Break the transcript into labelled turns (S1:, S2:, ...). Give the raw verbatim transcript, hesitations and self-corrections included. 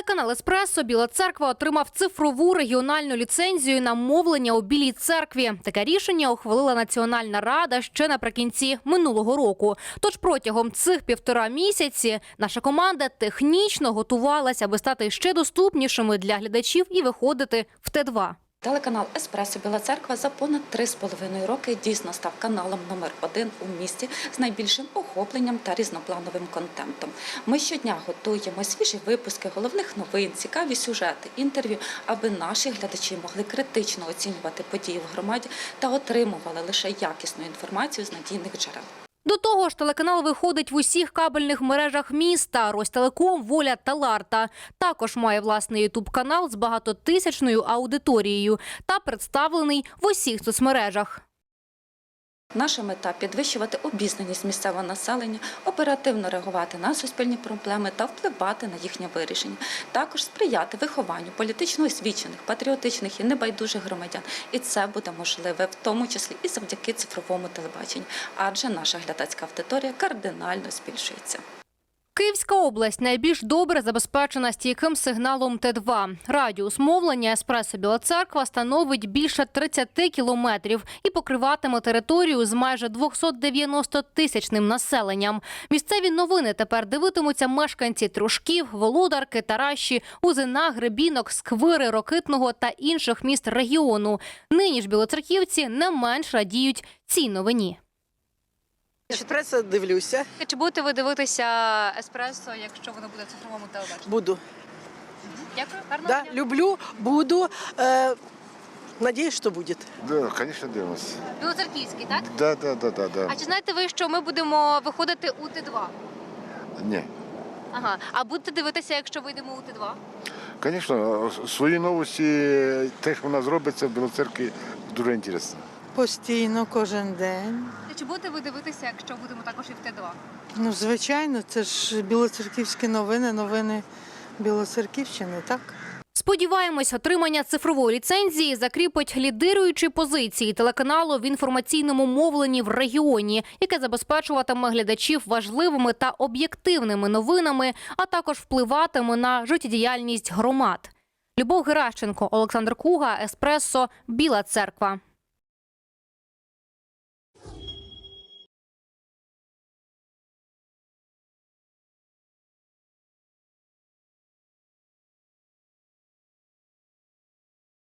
S1: Телеканал «Еспресо» Біла Церква отримав цифрову регіональну ліцензію на мовлення у Білій Церкві. Таке рішення ухвалила Національна рада ще наприкінці минулого року. Тож протягом цих півтора місяці наша команда технічно готувалася, аби стати ще доступнішими для глядачів і виходити в Т два.
S2: Телеканал «Еспресо» Біла Церква за понад три з половиною роки дійсно став каналом номер один у місті з найбільшим охопленням та різноплановим контентом. Ми щодня готуємо свіжі випуски головних новин, цікаві сюжети, інтерв'ю, аби наші глядачі могли критично оцінювати події в громаді та отримували лише якісну інформацію з надійних джерел.
S1: До того ж, телеканал виходить в усіх кабельних мережах міста – Ростелеком, Воля та Ларта. Також має власний ютуб-канал з багатотисячною аудиторією та представлений в усіх соцмережах.
S2: Наша мета – підвищувати обізнаність місцевого населення, оперативно реагувати на суспільні проблеми та впливати на їхнє вирішення. Також сприяти вихованню політично освічених, патріотичних і небайдужих громадян. І це буде можливе в тому числі і завдяки цифровому телебаченню, адже наша глядацька аудиторія кардинально збільшується.
S1: Київська область найбільш добре забезпечена стійким сигналом Т два. Радіус мовлення «Еспресо» Біла Церква становить більше тридцяти кілометрів і покриватиме територію з майже двохсотдев'яностотисячним населенням. Місцеві новини тепер дивитимуться мешканці Трушків, Володарки, Таращі, Узина, Гребінок, Сквири, Рокитного та інших міст регіону. Нині ж білоцерківці не менш радіють цій новині.
S3: «Еспресо» дивлюся.
S1: Чи будете ви дивитися «Еспресо», якщо воно буде в цифровому телебаченні?
S3: Буду.
S1: Дякую. Гарного
S3: Да,
S1: дня.
S3: люблю, буду. Э, надеюсь, что будет.
S4: Да, конечно, дивимося.
S1: Білоцерківський, так?
S4: Да, да, да, да, да.
S1: А чи знаєте ви, що ми будемо виходити у Т два?
S4: Ні.
S1: Ага. А будете дивитися, якщо вийдемо у Т два?
S4: Звісно, свої новості, те, що в нас робиться в Білоцеркві, дуже цікаво.
S5: Постійно, кожен день.
S1: Чи будете ви дивитися, якщо будемо також і в Т два?
S5: Ну, звичайно, це ж білоцерківські новини, новини Білоцерківщини, так?
S1: Сподіваємось, отримання цифрової ліцензії закріпить лідируючі позиції телеканалу в інформаційному мовленні в регіоні, яке забезпечуватиме глядачів важливими та об'єктивними новинами, а також впливатиме на життєдіяльність громад. Любов Геращенко, Олександр Куга, «Еспресо», Біла Церква.